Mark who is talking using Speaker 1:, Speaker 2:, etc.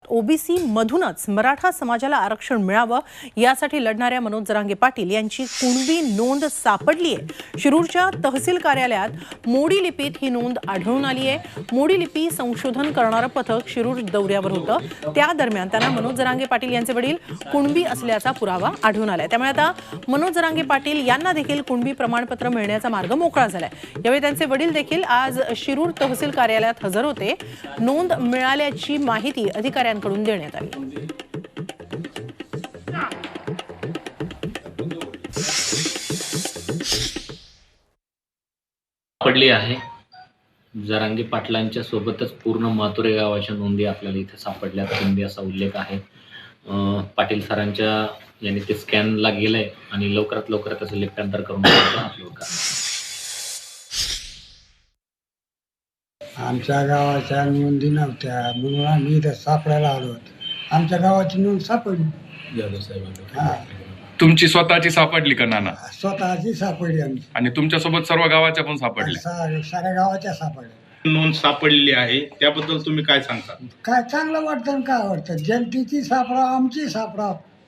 Speaker 1: OBC मधूनच मराठा समाजाला आरक्षण मिळावं यासाठी लढणाऱ्या मनोज जरांगे पाटील यांची कुणबी नोंद सापडली आहे। शिरूरच्या तहसील कार्यालयात मोडी लिपीत ही नोंद आढळून आली आहे। मोडी लिपी संशोधन करणारं पथक शिरूर दौऱ्यावर होतं। त्या दरम्यान त्यांना मनोज जरांगे पाटील यांचे वडील कुणबी असल्याचा पुरावा आढळून आलाय। त्यामुळे आता मनोज जरांगे पाटील यांना देखील कुणबी प्रमाणपत्र मिळण्याचा मार्ग मोकळा झालाय। यावेळी त्यांचे वडील देखील आज शिरूर तहसील कार्यालयात हजर होते। नोंद मिळाल्याची माहिती अधिकाऱ्यांकडून देण्यात आली।
Speaker 2: पडली आहे। जरांगे पाटलांच्या सोबतच पूर्ण मातुरे गावाच्या नोंदी आपल्याला इथे सापडल्यात। नोंदी असा उल्लेख आहे। पाटील सरांच्या यांनी ते स्कॅनला गेलंय आणि लवकरात लवकर त्याचं लिप्यांतर करून अपलोड करा।
Speaker 3: आमच्या गावाच्या नोंदी नव्हत्या म्हणून आम्ही इथं सापडायला आलो होतो। आमच्या गावाची नोंद सापडली। हा,
Speaker 4: तुमची स्वतःची सापडली का नाना?
Speaker 3: स्वतःची सापडली आमची
Speaker 4: आणि तुमच्यासोबत सर्व गावाच्या पण सापडल्या?
Speaker 3: साऱ्या गावाच्या सापडल्या।
Speaker 5: नोंद सापडलेली आहे, त्याबद्दल तुम्ही काय सांगता?
Speaker 3: काय चांगलं वाटतं आणि काय वाटतं? जनतेची सापडाव, आमची सापडाव,